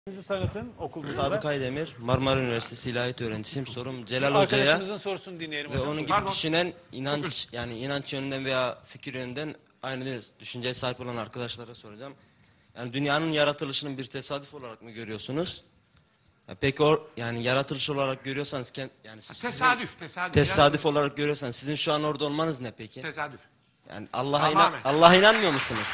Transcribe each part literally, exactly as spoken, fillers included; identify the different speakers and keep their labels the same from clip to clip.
Speaker 1: Sizi tanıtın okulunuzda.
Speaker 2: Sadık Aydemir, Marmara Üniversitesi İlahiyat öğrencisiyim. Sorum Celal Hoca'ya
Speaker 1: Arkadaşımızın sorusunu dinleyelim
Speaker 2: ve
Speaker 1: hocam.
Speaker 2: onun gibi
Speaker 1: Pardon.
Speaker 2: düşünen inanç yani inanç yönünden veya fikir yönünden aynı düşünceye sahip olan arkadaşlara soracağım. Yani dünyanın yaratılışının bir tesadüf olarak mı görüyorsunuz? Ya peki o yani yaratılış olarak görüyorsanız yani sizin,
Speaker 3: tesadüf, tesadüf.
Speaker 2: tesadüf olarak görüyorsanız sizin şu an orada olmanız ne peki?
Speaker 3: Tesadüf.
Speaker 2: Yani Allah'a inan
Speaker 3: Tamamen.
Speaker 2: Allah'a inanmıyor musunuz?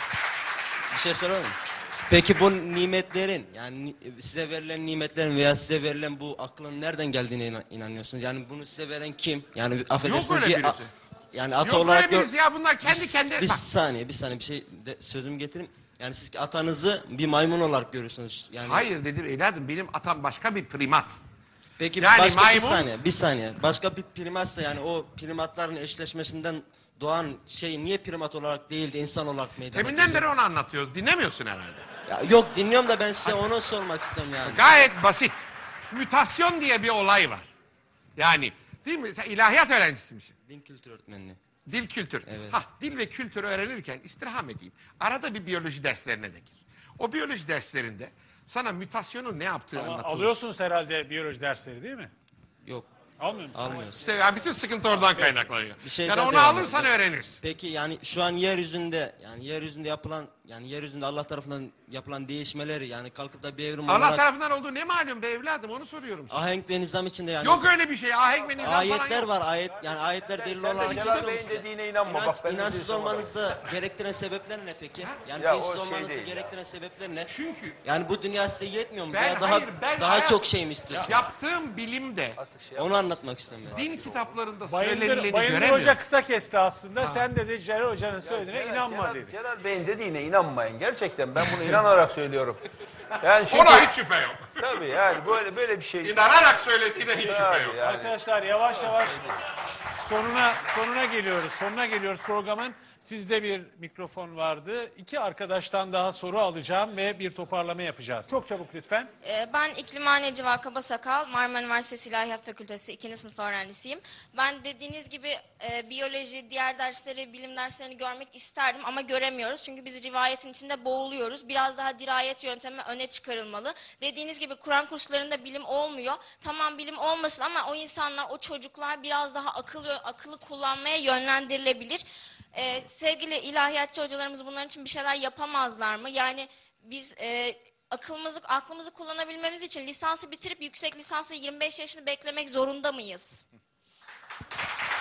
Speaker 2: Bir şey soralım. Peki bu nimetlerin yani size verilen nimetlerin veya size verilen bu aklın nereden geldiğine inan- inanıyorsunuz? Yani bunu size veren kim? Yani affedersiniz
Speaker 3: Yok öyle
Speaker 2: bir-
Speaker 3: birisi.
Speaker 2: yani ata
Speaker 3: Yok
Speaker 2: olarak
Speaker 3: öyle
Speaker 2: gör-
Speaker 3: birisi ya, bunlar kendi kendine...
Speaker 2: bir
Speaker 3: Bak,
Speaker 2: saniye bir saniye bir şey de, sözümü getireyim. Yani siz atanızı bir maymun olarak görüyorsunuz. Yani
Speaker 3: hayır dedim evladım, benim atam başka bir primat.
Speaker 2: Peki
Speaker 3: Yani
Speaker 2: başka
Speaker 3: maymun-
Speaker 2: bir saniye bir saniye. Başka bir primatsa yani o primatların eşleşmesinden doğan şey niye primat olarak değil de insan olarak meydana
Speaker 3: Teminden
Speaker 2: geliyor?
Speaker 3: beri onu anlatıyoruz, dinlemiyorsun herhalde.
Speaker 2: Ya yok dinliyorum da ben size onu sormak istiyorum yani.
Speaker 3: Gayet basit. Mütasyon diye bir olay var. Yani değil mi? Sen ilahiyat öğrencisimişsin.
Speaker 2: Din kültür öğretmenliği.
Speaker 3: Dil kültür.
Speaker 2: Evet.
Speaker 3: Hah, dil ve kültür öğrenirken istirham edeyim. Arada bir biyoloji derslerine de gir. O biyoloji derslerinde sana mütasyonun ne yaptığı
Speaker 1: Ama
Speaker 3: anlatılır.
Speaker 1: alıyorsunuz herhalde biyoloji dersleri değil mi?
Speaker 2: Yok.
Speaker 1: Almıyor musunuz?
Speaker 2: Almıyoruz.
Speaker 3: İşte yani bütün sıkıntı oradan kaynaklanıyor.
Speaker 2: Bir şey
Speaker 3: Yani
Speaker 2: daha
Speaker 3: onu
Speaker 2: devam
Speaker 3: alırsan
Speaker 2: edeceğim.
Speaker 3: öğrenirsin.
Speaker 2: Peki yani şu an yeryüzünde yani yeryüzünde yapılan yani yeryüzünde Allah tarafından yapılan değişmeleri yani kalkıp da bir evrim
Speaker 3: Allah
Speaker 2: olarak
Speaker 3: tarafından olduğu ne malum be evladım, onu soruyorum sana.
Speaker 2: ahenk ve nizam içinde yani
Speaker 3: Yok öyle bir şey. Ahenk ve nizam falan
Speaker 2: ayetler
Speaker 3: yok.
Speaker 2: var ayet yani ayetler delil olarak
Speaker 4: Celal
Speaker 2: geliyor mu
Speaker 4: Bey'in
Speaker 2: size?
Speaker 4: dediğine inanma.
Speaker 2: İnanç,
Speaker 4: Bak ben
Speaker 2: inançsız
Speaker 4: dediğim
Speaker 2: olmanızı gerektiren sebepler ne peki? Yani
Speaker 4: Ya
Speaker 2: dinsiz
Speaker 4: o şey
Speaker 2: olmanızı
Speaker 4: değil ya.
Speaker 2: gerektiren sebepler ne?
Speaker 3: Çünkü
Speaker 2: Yani bu dünya size yetmiyor mu?
Speaker 3: Ben-
Speaker 2: Veya daha
Speaker 3: hayır, ben
Speaker 2: daha
Speaker 3: hayat-
Speaker 2: çok şey mi istiyorsunuz?
Speaker 3: yaptığım bilimde
Speaker 4: Artık şey
Speaker 2: Onu anlatmak istiyorum ben.
Speaker 3: din kitaplarında
Speaker 1: Bayındır,
Speaker 3: söylenileni
Speaker 1: Bayındır
Speaker 3: göremiyorum.
Speaker 1: Hoca kısa kesti aslında.
Speaker 3: Ha.
Speaker 1: Sen dedi Celal Hoca'nın söylediğine
Speaker 4: Celal-
Speaker 1: inanma
Speaker 4: Celal,
Speaker 1: dedi.
Speaker 4: Celal Bey'in dediğine inanmayın. Gerçekten ben bunu inanarak söylüyorum. Yani çünkü,
Speaker 3: Ona hiç şüphe yok.
Speaker 4: tabii yani böyle böyle bir şey.
Speaker 3: İnanarak söylediğine hiç şüphe
Speaker 4: Tabii
Speaker 3: yok.
Speaker 4: yani.
Speaker 1: Arkadaşlar yavaş yavaş sonuna sonuna geliyoruz. Sonuna geliyoruz programın. Sizde bir mikrofon vardı. İki arkadaştan daha soru alacağım ve bir toparlama yapacağız. Çok çabuk lütfen.
Speaker 5: Ee, Ben İklimhane Civa Kabasakal, Marmara Üniversitesi İlahiyat Fakültesi ikinci sınıf öğrencisiyim. Ben dediğiniz gibi e, biyoloji, diğer dersleri, bilim derslerini görmek isterdim ama göremiyoruz. Çünkü biz rivayetin içinde boğuluyoruz. Biraz daha dirayet yöntemi öne çıkarılmalı. Dediğiniz gibi Kur'an kurslarında bilim olmuyor. Tamam bilim olmasın ama o insanlar, o çocuklar biraz daha akıllı, akıllı kullanmaya yönlendirilebilir. Ee, sevgili ilahiyatçı hocalarımız bunların için bir şeyler yapamazlar mı? Yani biz e, akılımızı, aklımızı kullanabilmemiz için lisansı bitirip yüksek lisansı yirmi beş yaşını beklemek zorunda mıyız?